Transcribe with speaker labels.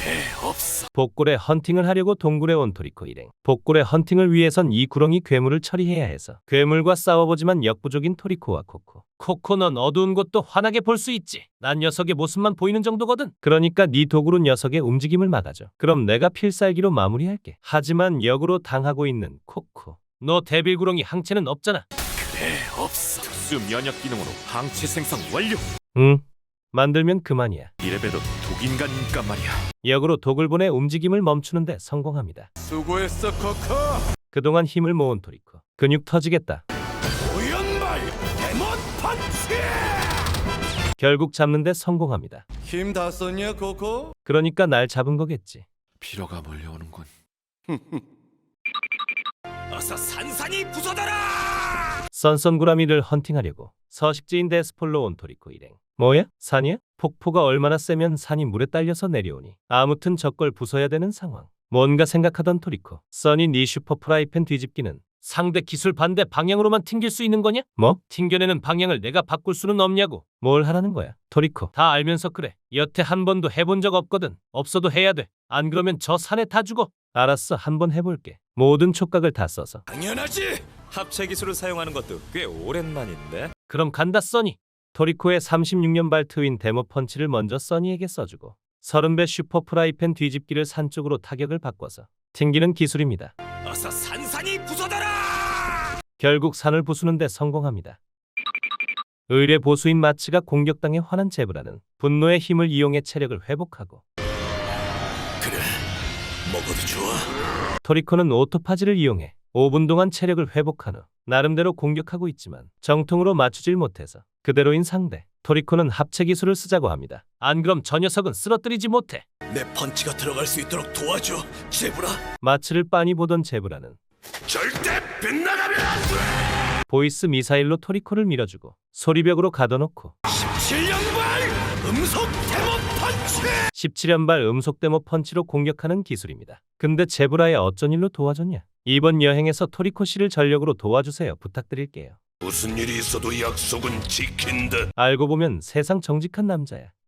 Speaker 1: 없어.
Speaker 2: 복골에 헌팅을 하려고 동굴에 온 토리코 일행. 복골의 헌팅을 위해선 이 구렁이 괴물을 처리해야 해서 괴물과 싸워보지만 역부족인 토리코와 코코. 코코, 넌 어두운 곳도 환하게 볼 수 있지. 난 녀석의 모습만 보이는 정도거든. 그러니까 네 도구로 녀석의 움직임을 막아줘. 그럼 내가 필살기로 마무리할게. 하지만 역으로 당하고 있는 코코. 너 데빌 구렁이 항체는 없잖아.
Speaker 1: 없어. 특수 면역 기능으로 항체 생성 완료.
Speaker 2: 응. 만들면 그만이야.
Speaker 1: 이래봬도 독인간이니까 말이야.
Speaker 2: 역으로 독을 보내 움직임을 멈추는데 성공합니다.
Speaker 1: 수고했어, 코코.
Speaker 2: 그동안 힘을 모은 토리코. 근육 터지겠다.
Speaker 1: 오연말 데몬 펀치.
Speaker 2: 결국 잡는데 성공합니다.
Speaker 1: 힘 다 썼냐, 코코?
Speaker 2: 그러니까 날 잡은 거겠지.
Speaker 1: 피로가 몰려오는군. 어서 산산이 부서져라!
Speaker 2: 썬썬구라미를 헌팅하려고 서식지인 데스폴로 온 토리코 일행. 뭐야? 산이야? 폭포가 얼마나 세면 산이 물에 딸려서 내려오니. 아무튼 저걸 부숴야 되는 상황. 뭔가 생각하던 토리코. 써니, 네 슈퍼 프라이팬 뒤집기는 상대 기술 반대 방향으로만 튕길 수 있는 거냐? 뭐? 튕겨내는 방향을 내가 바꿀 수는 없냐고. 뭘 하라는 거야? 토리코. 다 알면서 그래. 여태 한 번도 해본 적 없거든. 없어도 해야 돼. 안 그러면 저 산에 다 죽어. 알았어, 한번 해볼게. 모든 촉각을 다 써서.
Speaker 1: 당연하지. 합체 기술을 사용하는 것도 꽤 오랜만인데.
Speaker 2: 그럼 간다, 써니. 토리코의 36년 발 트윈 데모 펀치를 먼저 써니에게 써주고 30배 슈퍼 프라이팬 뒤집기를 산 쪽으로 타격을 바꿔서 튕기는 기술입니다.
Speaker 1: 어서 산산이 부서져라!
Speaker 2: 결국 산을 부수는데 성공합니다. 의뢰 보수인 마츠가 공격당해 화난 제브라는 분노의 힘을 이용해 체력을 회복하고
Speaker 1: 그래, 먹어도 좋아.
Speaker 2: 토리코는 오토파지를 이용해 5분 동안 체력을 회복한 후 나름대로 공격하고 있지만 정통으로 맞추질 못해서 그대로인 상대. 토리코는 합체 기술을 쓰자고 합니다. 안 그럼 저 녀석은 쓰러뜨리지 못해.
Speaker 1: 내 펀치가 들어갈 수 있도록 도와줘, 제브라.
Speaker 2: 마츠를 빤히 보던 제브라는
Speaker 1: 절대 빗나가면 안 돼!
Speaker 2: 보이스 미사일로 토리코를 밀어주고 소리벽으로 가둬놓고
Speaker 1: 7년발 음속 데몬 펀치!
Speaker 2: 17연발 음속 데모 펀치로 공격하는 기술입니다. 근데 제브라의 어쩐 일로 도와줬냐? 이번 여행에서 토리코 씨를 전력으로 도와주세요. 부탁드릴게요.
Speaker 1: 무슨 일이 있어도 약속은 지킨다.
Speaker 2: 알고 보면 세상 정직한 남자야.